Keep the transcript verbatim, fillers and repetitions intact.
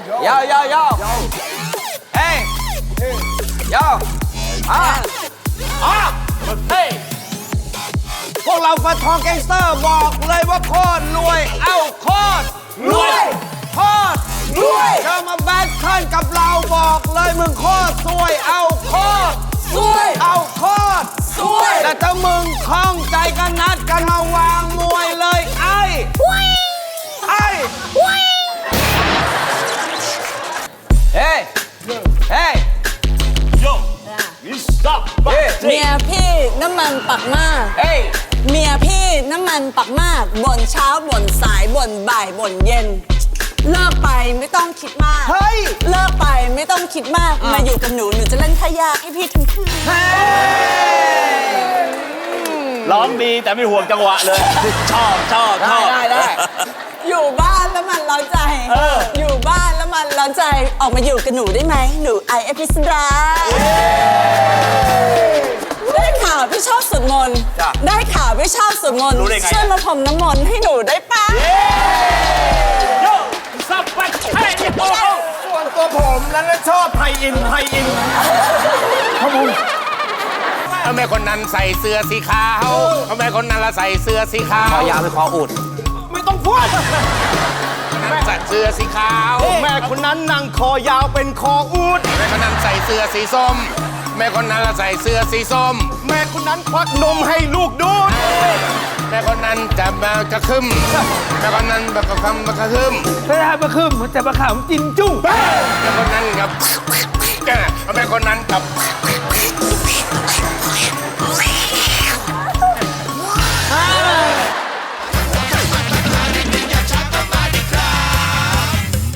โยโยโยเฮ้ยโยอ่ะอ่ะเฮ้ยพวกเราฟันทองแก๊งสเตอร์บอกเลยว่าโคตรรวยเอ้าโคตรรวยโคตรรวยจะมาแบทเทิลกับเราบอกเลยมึงโคตรสวยเอ้าโคตรสวยเอ้าโคตรสวยแต่ถ้ามึงคล่องใจกันนัดกันมาวางมวยเลยไอ้ไอ้เฮ้ยเฮ้ย Yo, you stop. เมียพี่น้ำมันปักมากเฮ้ยเมียพี่น้ำมันปักมากบ่นเช้าบ่นสายบ่นบ่ายบ่นเย็น เลิกไปไม่ต้องคิดมากเฮ้ยเลิกไปไม่ต้องคิดมากมาอยู่กับหนูหนูจะเล่นท่ายากให้พี่ทั้งคืนร้องดีแต่ไม่ห่วงจังหวะเลย ชอบชอบชได้อบได้ได้อยู่บ้านแล้วมันร้อนใจเอออยู่บ้านแล้วมันร้อนใจออกมาอยู่กับหนูได้ไหมหนูไอเอพิสดาได้ข่าวพี่ชอบสวดมนต์ได้ข่าวพี่ชอบสวดมนต์รู้ได้ไงช่วยมาพรมน้ำมนต์ให้หนูได้ปะโยสับไปให้โอ้ส่วนตัวผมนั้นชอบไทยอินไทยอินทำไมคนนั้นใส่เสื้อสีขาวทำไมคนนั้นละใส่เสื้อสีขาวขอยาวไปคออุดไม่ต้องพูดใส่เสื้อสีขาวแม่คนนั้นนั่งคอยาวเป็นคออูดแม่คนนั้นใส่เสื้อสีส้ม แม่คนนั้นละใส่เสื้อสีส้มแม่คนนั้นควักนมให้ลูกดูดแม่คนนั้นจะมากระคึมแม่คนนั้นแบบกระคึมกระคึมไม่ได้มาคืมแต่มาขำจินจุ้งแม่คนนั้นกับแม่คนนั้นกับ